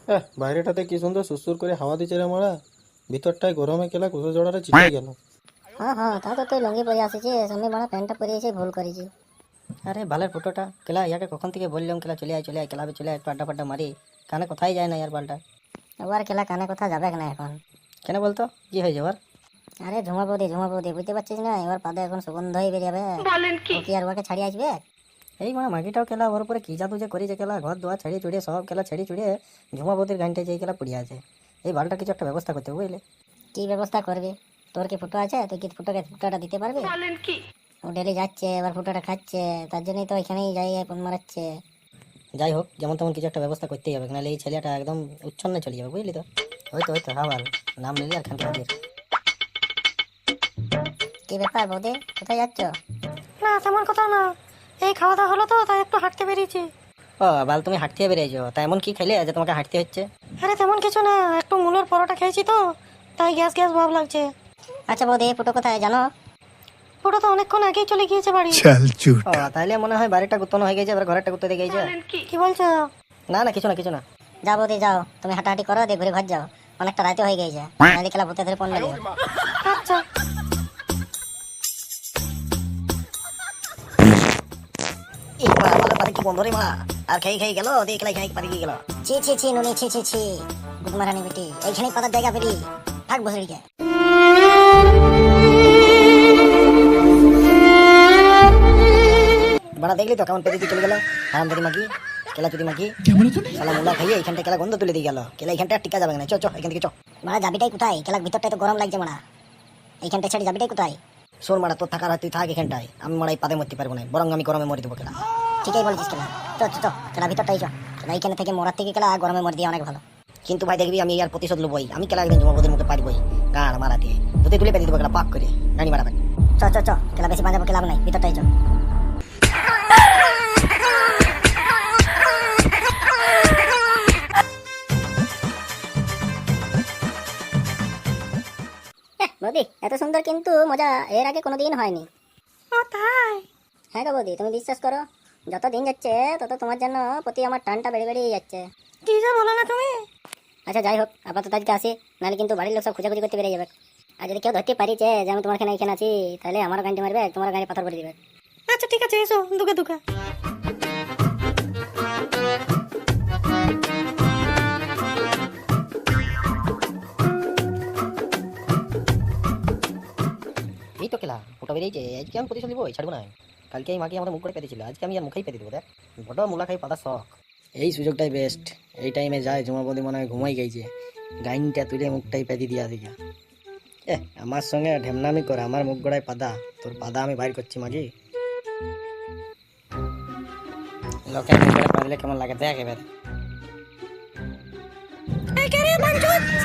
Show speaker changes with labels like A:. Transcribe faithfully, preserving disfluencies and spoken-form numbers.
A: এহ, বাইরেটাতে কি সুন্দর সুসুর করে হাওয়া দিচ্ছে রে মারা। ভিতরটায় গরমে কেলা কুসো জড়ারে চিটে গেল।
B: হ্যাঁ হ্যাঁ, তা তো তুই লুঙ্গি পরে আসিছিস, আমি মানে প্যান্টটা পরে এসে ভুল করেছি।
C: আরে বালের ফটোটা কেলা, ইয়াকে কখন থেকে বললাম কেলা চলে আয় চলে আয় ক্লাবে চলে আয়, একটু আড্ডা ফাড্ডা মারি। কানে কোথায় যায় না ইয়ার বালটা।
B: এবার খেলা কানে কথা যাবে না এখন।
C: কেন বলতো, কি হয়ে যাবার?
B: আরে ঝুমা বৌদি ঝুমা বৌদি বুঝতে পারছিস না, এবার পাদে এখন সুগন্ধই বেরিয়ে যাবে। ও কি আর ওকে ছাড়িয়ে আসবে?
C: এই মানে মাগিটাও কেলা ওর উপরে কি জাদু যে করেছে কেলা, ঘর দোয়া ছেড়ে চুড়িয়ে সব কেলা ছেড়ে চুড়িয়ে ঝুমাবতির গানটা যেই কেলা পড়িয়ে আছে। এই বালটা কিছু একটা ব্যবস্থা করতে হবে বুঝলে।
B: কি ব্যবস্থা করবি? তোর কি ফুটো আছে? তুই কি ফুটোকে ফুটোটা দিতে পারবি? ও ডেলি যাচ্ছে, এবার ফুটোটা খাচ্ছে, তার জন্যই তো এখানেই যাই ফোন মারাচ্ছে।
C: যাই হোক, যেমন তেমন কিছু একটা ব্যবস্থা করতেই হবে, নাহলে এই ছেলেটা একদম উচ্ছন্নে চলে যাবে বুঝলি তো। হয়তো হয়তো হ্যাঁ ভালো নাম নিলি আর খানকে হাজির।
B: কি ব্যাপার বৌদি, কোথায় যাচ্ছ?
D: না তেমন কথা না, এই খাওয়া দাওয়া হলো তো তাই একটু হাঁটতে বেরিয়েছি।
C: ও বাল, তুমি হাঁটতে বেরিয়েছো, তা এমন কি খাইলে যে তোমাকে হাঁটতে হচ্ছে?
D: আরে তেমন কিছু না, একটু মুলোর পরোটা খেয়েছি তো তাই গ্যাস গ্যাস ভাব লাগছে।
B: আচ্ছা বৌদি, ফুটো কোথায় জানো?
D: ওটা তো অনেকক্ষণ আগেই চলে গিয়েছে বাড়ি।
C: ও তাহলে মনে হয় বাড়িটা গুতনো হয়ে গেছে, এবার ঘরেরটা গুতে দিয়ে গেছে।
D: কি বলছো?
C: না না কিছু না কিছু না।
B: যাও বৌদি যাও, তুমি হাঁটাহাঁটি করো, দিয়ে ঘুরে ঘর যাও, অনেকটা রাতে হয়ে গেছে, নাহলে খেলা ভূতে ধরে পড়লে।
D: আচ্ছা।
C: এই মারা বালের পাতে কি বন্ধ রে মারা, আর খেয়ে খেয়ে গেল দিয়ে খেলাই খেয়ে পারে গিয়ে গেল।
B: ছি ছি ছি নুনি, ছি ছি ছি, গুদমারানি বেটি, এইখানেই পাতার জায়গা বেরি থাক বসড়িকে।
C: বাড়া দেখলি তো কেমন পেতে দিয়ে চলে গেল হারাম ধরি মাগি, কেলা চুরি মাগি। শালা মুলা খাইয়ে এইখানটা কেলা গন্ধ তুলে দিয়ে গেল, কেলা এইখানটা আর টিকা যাবে না। চ চ এখান থেকে চ।
B: মারা যাবিটাই কোথায়? খেলার ভিতরটাই তো গরম লাগছে মারা, এইখানটা ছেড়ে যাবিটাই কোথায়?
C: শোন মারা, তোর থাকার হয় তুই থাক এখানটায়, আমি মারা এই পাদে মরতে পারবো না, বরং আমি গরমে মরে দেবো কেলা।
B: ঠিকই বলছিস খেলা, চ চ চ, খেলা ভিতরটাই চ, খেলা এইখানে থেকে মরার থেকে খেলা গরমে মরে দিয়ে অনেক ভালো।
C: কিন্তু ভাই দেখবি আমি আর প্রতিশোধ লবই, আমি কেলা একদিন জমাবদের মুখে পারবই গাড় মারা দিয়ে দুতে তুলে পেতে দেবো কেলা পাক করে গাড়ি মারাবে।
B: চ চ চ, খেলা বেশি বাজাবো খেলা নাই, ভিতরটাই চ। বৌদি এত সুন্দর কিন্তু মজা এর আগে কোনোদিন হয়নি।
D: ও তাই?
B: হ্যাঁ গো বৌদি, তুমি বিশ্বাস করো, যত দিন যাচ্ছে তত তোমার জন্য প্রতি আমার টানটা বেড়ে বেড়েই যাচ্ছে।
D: কি যে বলো না তুমি।
B: আচ্ছা যাই হোক, আপাতত আজকে আসি, নাহলে কিন্তু বাড়ির লোক সব খোঁজাখুঁজি করতে বেরিয়ে যাবে। আর যদি কেউ ধরতে পারিছে যে আমি তোমার এখানে এখানে আছি, তাহলে আমারও গাড়ি মারবে, তোমার গাড়ি পাথর করে দিবে।
D: আচ্ছা ঠিক আছে, এসো দুকা দুকা।
C: এই তো কেলা ওটা বেরিয়েছে, আজকে আমি প্রতিশোধ নিবই, ছাড়বো না। কালকে এই মাকে আমাদের মুখ করে পেতেছিল, আজকে আমি আর মুখেই পেতে দেবো। দেখ বড় মুলা খাই পাতা শখ, এই সুযোগটাই বেস্ট। এই টাইমে যায় জমাবদি মনে হয় ঘুমাই গেছে, গাইনটা তুলে মুখটাই পেতে দিয়া দিকা। এ আমার সঙ্গে ঢেমনামি করে, আমার মুখ গড়ায় পাদা, তোর পাদা আমি বাইর করছি মাগি। লোকের মুখ করে পারলে কেমন লাগে দেখ এবার।
D: এই কে রে বাঞ্চুত,